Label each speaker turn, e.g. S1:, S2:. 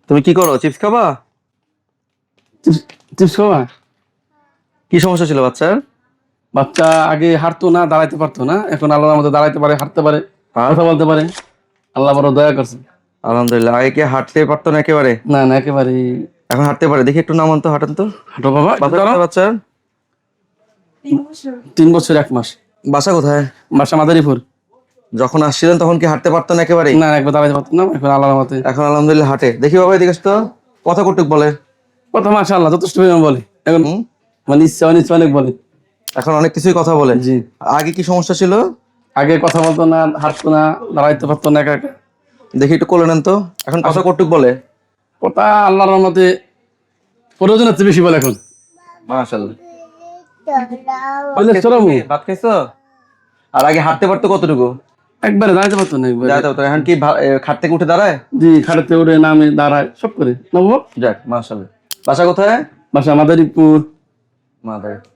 S1: তুমি কি করো, চিপস খাবা?
S2: চিপস খাওয়া?
S1: কি সমস্যা ছিল বাচ্চার?
S2: বাচ্চা আগে হাঁটতো না, দাঁড়াইতে পারতো না, এখন আল্লাহর মতো দাঁড়াইতে পারে, হাঁটতে পারে,
S1: আর
S2: কথা বলতে পারে। আল্লাহ বড় দয়া করছে।
S1: আলহামদুলিল্লাহ। আগে কি হাঁটতে পারতো না একেবারে?
S2: না না, একেবারে।
S1: এখন হাঁটতে পারে, দেখি একটু নামান তো, হাঁটান তো।
S2: হাঁটো বাবা, একটু
S1: বাচ্চা
S2: দাঁড়াও।
S1: কোথায় বাচ্চার?
S2: 3 বছর 1 মাস।
S1: বাসা কোথায়?
S2: বাসা মাদারীপুর।
S1: যখন আসছিলেন তখন কি হাঁটতে পারতো না একেবারে?
S2: না, একবার দাঁড়াইতে পারতো না, এখন আল্লাহর মতে।
S1: এখন আলহামদুলিল্লাহ হাঁটে। দেখি বাবা এদিকে আসো তো, কথা কটুক বলে?
S2: কথা মাশাআল্লাহ যথেষ্ট পরিমাণ বলে এখন।
S1: হুম,
S2: মানে ইচ্ছা অনিচ্ছা অনেক বলে।
S1: এখন অনেক কিছুই কথা বলে।
S2: জি।
S1: আগে কি সমস্যা ছিল?
S2: আগে কথা বলতো না, হাঁটতো না, দাঁড়াইতে পারতো না, একা একা।
S1: দেখি একটু কোলে নেন তো। এখন কথা কটুক বলে?
S2: কথা আল্লাহর রহমতে প্রয়োজনের চেয়ে বেশি বলে এখন।
S1: মাশাআল্লাহ।
S2: বলে চলাবো।
S1: ভাত খাইছো? আর আগে হাঁটতে পারতো কতটুকু?
S2: একবারে দাঁড়াইতে পারতো না, একবারে।
S1: যাইতে পারতো, এখন কি খাট থেকে উঠে দাঁড়ায়?
S2: জি, খাটাতে উঠে নামে দাঁড়ায় সব করে। না বাবা?
S1: যাক মাশাআল্লাহ। বাসা কোথায়?
S2: বাসা মাদারীপুর।
S1: মাদার